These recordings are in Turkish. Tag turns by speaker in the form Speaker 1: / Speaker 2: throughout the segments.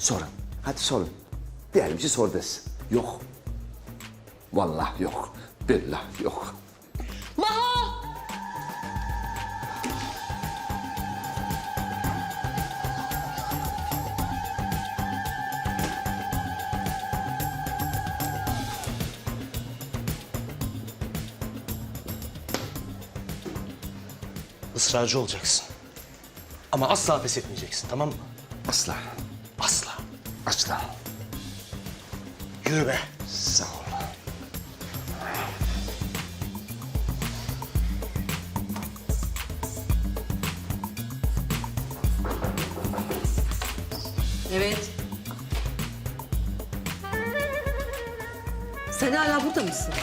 Speaker 1: Sorun. Hadi sorun. Diyelim ki sor desin. Yok. Vallahi yok. Billahi yok.
Speaker 2: Maho!
Speaker 3: Israrcı olacaksın. Ama asla pes etmeyeceksin, tamam mı?
Speaker 1: Asla.
Speaker 3: Asla.
Speaker 1: Asla.
Speaker 3: Yürü be.
Speaker 1: Sağ ol.
Speaker 2: Evet. Sen hala burada mısın?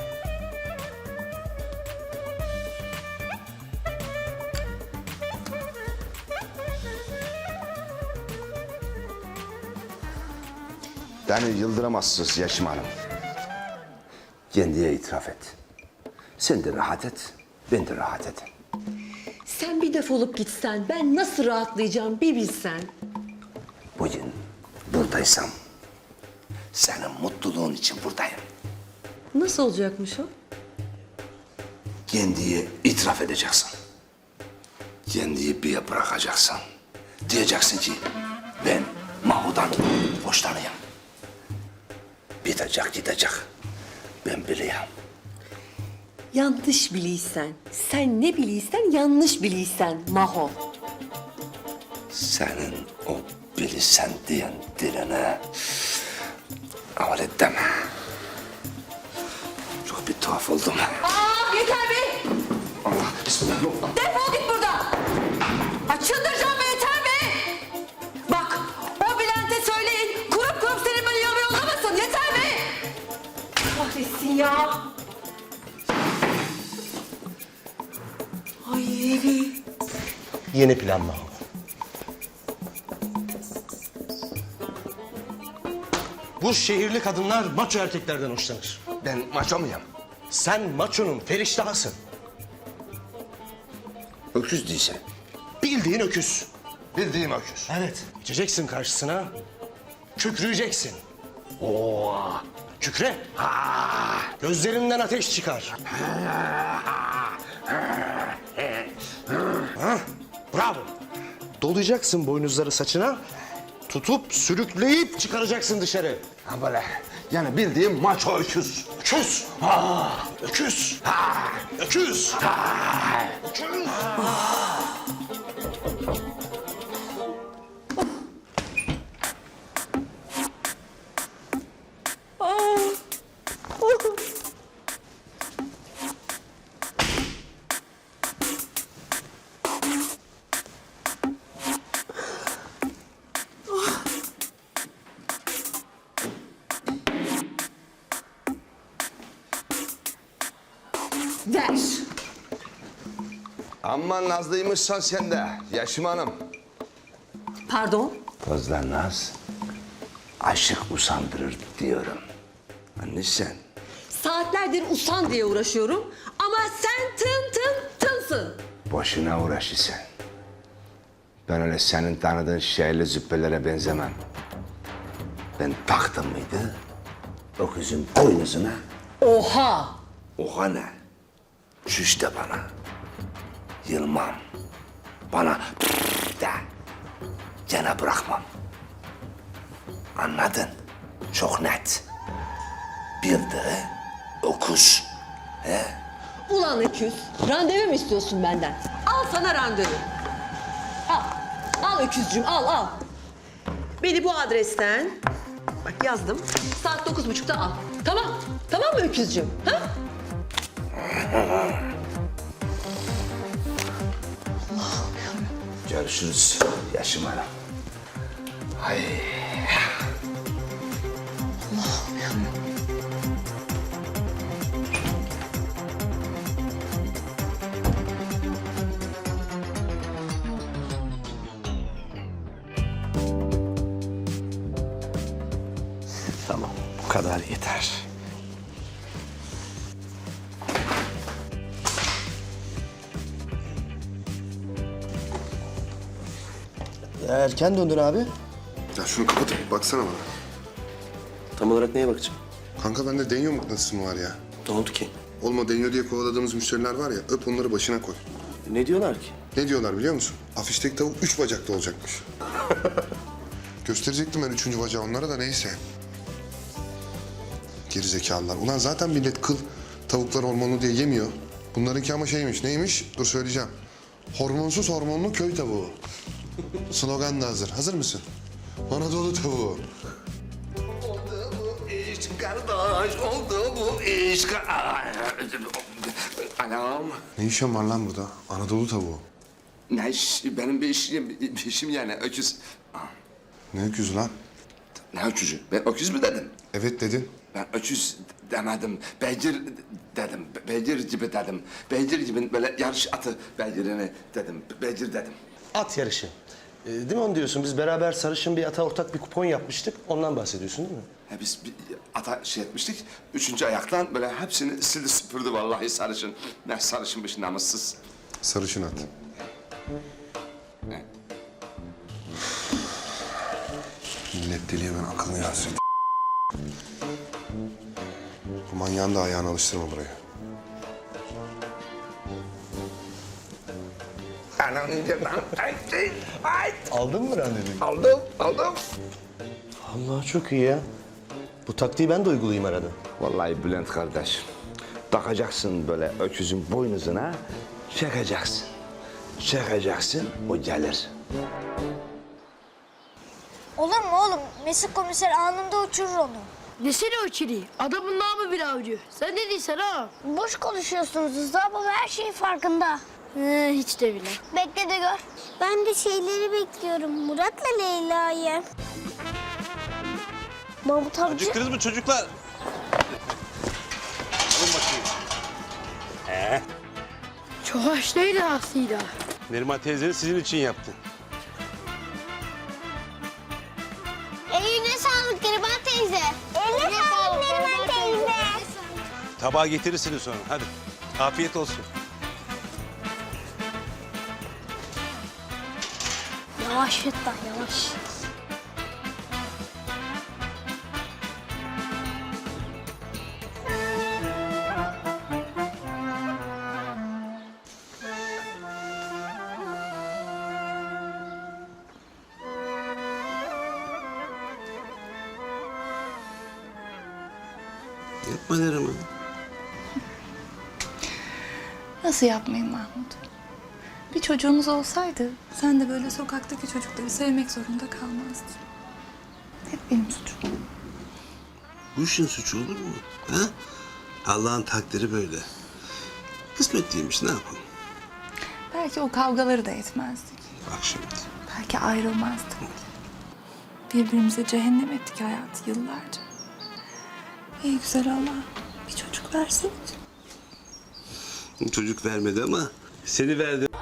Speaker 1: Beni yıldıramazsınız Yaşım Hanım. Kendiye itiraf et. Sen de rahat et, ben de rahat edeyim.
Speaker 2: Sen bir defolup gitsen ben nasıl rahatlayacağım bir bilsen.
Speaker 1: Bugün buradaysam senin mutluluğun için buradayım.
Speaker 2: Nasıl olacakmış o?
Speaker 1: Kendiye itiraf edeceksin. Kendiyi bir yere bırakacaksın. Diyeceksin ki ben Maho'dan hoşlanıyorum. Bitecek gidecek. Ben biliyorum.
Speaker 2: Yanlış biliysen, sen ne biliysen yanlış biliysen Maho.
Speaker 1: Senin o bilisen diyen diline aval et deme. Çok bir tuhaf oldum.
Speaker 2: Aa yeter be!
Speaker 1: Allah bismillah yok.
Speaker 2: Defol git buradan! Ay çıldıracağım be yeter be! Bak o Bülent'e söyleyin kurup kurup seni böyle yolu yollamasın yeter be! Kahretsin ya! Ay
Speaker 3: Yeni plan Maho. Bu şehirli kadınlar maço erkeklerden hoşlanır.
Speaker 1: Ben maço muyum?
Speaker 3: Sen maçonun feriştahısın.
Speaker 1: Öküz değilse.
Speaker 3: Bildiğin öküz.
Speaker 1: Bildiğim öküz.
Speaker 3: Evet. Geçeceksin karşısına. Kükrüyeceksin.
Speaker 1: Oo.
Speaker 3: Kükre. Gözlerinden ateş çıkar. Ha, bravo. Dolayacaksın boynuzları saçına. Tutup sürükleyip çıkaracaksın dışarı.
Speaker 1: Ha böyle. Yani bildiğim maço öküz.
Speaker 3: Öküz. Öküz. Öküz. Öküz.
Speaker 2: ver!
Speaker 1: Amma nazlıymışsan sen de Yaşım Hanım.
Speaker 2: Pardon?
Speaker 1: Fazla naz aşık usandırır diyorum. Anne sen.
Speaker 2: Saatlerdir usan diye uğraşıyorum ama sen tınsın.
Speaker 1: Boşuna uğraşırsan. Ben öyle senin tanıdığın şehirli züppelere benzemem. Ben taktım mıydı öküzün boynuzuna.
Speaker 2: Oha!
Speaker 1: Oha ne? Çüş de bana. Yılmam. Bana de. Gene bırakmam. Anladın? Çok net. Bildi öküz.
Speaker 2: Ulan öküz, randevu mu istiyorsun benden? Al sana randevu. Al, al öküzcüğüm, al. Beni bu adresten, bak yazdım, saat 9.30'da al. Tamam mı öküzcüğüm? Ha?
Speaker 1: Görüşürüz Yaşım Hanım. Hay.
Speaker 3: Tamam, bu kadar yeter.
Speaker 4: Erken döndün abi. şunu kapatıp baksana bana.
Speaker 3: Tam olarak neye bakacağım?
Speaker 4: Kanka bende denyo mıknatısı mı var ya?
Speaker 3: Ne oldu ki?
Speaker 4: Olma denyo diye kovaladığımız müşteriler var ya, öp onları başına koy.
Speaker 3: Ne diyorlar ki?
Speaker 4: Ne diyorlar biliyor musun? Afişteki tavuk 3 bacaklı olacakmış. Gösterecektim ben 3. bacağı onlara da neyse. Gerizekalılar. Ulan zaten millet kıl tavuklar hormonlu diye yemiyor. Bunlarınki ama şeymiş, neymiş? Dur söyleyeceğim. Hormonsuz hormonlu köy tavuğu. Slogan da hazır. Hazır mısın? Anadolu tavuğu.
Speaker 1: Oldu bu iş kardeş, oldu bu iş. Anam.
Speaker 4: Ne işin var lan burada? Anadolu tavuğu.
Speaker 1: Ne iş? Benim bir işim yani öküz.
Speaker 4: Ne öküzü lan?
Speaker 1: Ne öküzü? Ben öküz mü dedim?
Speaker 4: Evet dedin.
Speaker 1: Ben öküz demedim. Beygir dedim. Beygir gibi dedim. Beygir gibi böyle yarış atı beygirini dedim. Beygir dedim.
Speaker 3: At yarışı. Değil mi onu diyorsun? Biz beraber sarışın bir ata ortak bir kupon yapmıştık. Ondan bahsediyorsun değil mi?
Speaker 1: Biz bir ata şey etmiştik. 3. ayaktan böyle hepsini sildi süpürdü vallahi sarışın. Ne sarışınmış namussuz.
Speaker 4: Sarışın at.
Speaker 1: Ne?
Speaker 4: Millet deliye ben akıllı yansın. Bu manyağın da ayağını alıştırma buraya.
Speaker 1: Anam
Speaker 3: Aldın mı randevuyu?
Speaker 1: aldım.
Speaker 3: Allah çok iyi ya. Bu taktiği ben de uygulayayım arada.
Speaker 1: Vallahi Bülent kardeş, takacaksın böyle öküzün boynuzuna, çekeceksin. Çekeceksin, o gelir.
Speaker 5: Olur mu oğlum? Mesut komiser anında uçurur onu.
Speaker 6: Desene o çiri. Adamın namı bir avcı. Sen ne diyorsun ha?
Speaker 5: Boş konuşuyorsunuz Rıza baba her şeyin farkında.
Speaker 6: Hiç de bile.
Speaker 5: Bekle de gör. Ben de şeyleri bekliyorum. Murat'la Leyla'yı. Mahmut amca.
Speaker 7: Acıktınız mı çocuklar? Alın bakayım.
Speaker 6: Çok hoş değil aslında.
Speaker 7: Neriman teyzeniz sizin için yaptı.
Speaker 5: Eline sağlık Neriman teyze. Eline sağlık Neriman teyze.
Speaker 7: Tabağı getirirsiniz sonra. Hadi. Afiyet olsun.
Speaker 5: Yavaş Fettah yavaş.
Speaker 7: Yapma Neriman.
Speaker 8: Nasıl yapmayayım Mahmut? Bir çocuğumuz olsaydı sen de böyle sokaktaki çocukları sevmek zorunda kalmazdın. Hep benim suçum.
Speaker 9: Bu işin suçu olur mu? Ha? Allah'ın takdiri böyle. Kısmetliymiş, ne yapalım?
Speaker 8: Belki o kavgaları da etmezdik.
Speaker 9: Bak şimdi.
Speaker 8: Belki ayrılmazdık bile. Birbirimize cehennem ettik hayatı yıllarca. Ey güzel Allah, bir çocuk versene.
Speaker 9: Çocuk vermedi ama seni verdi.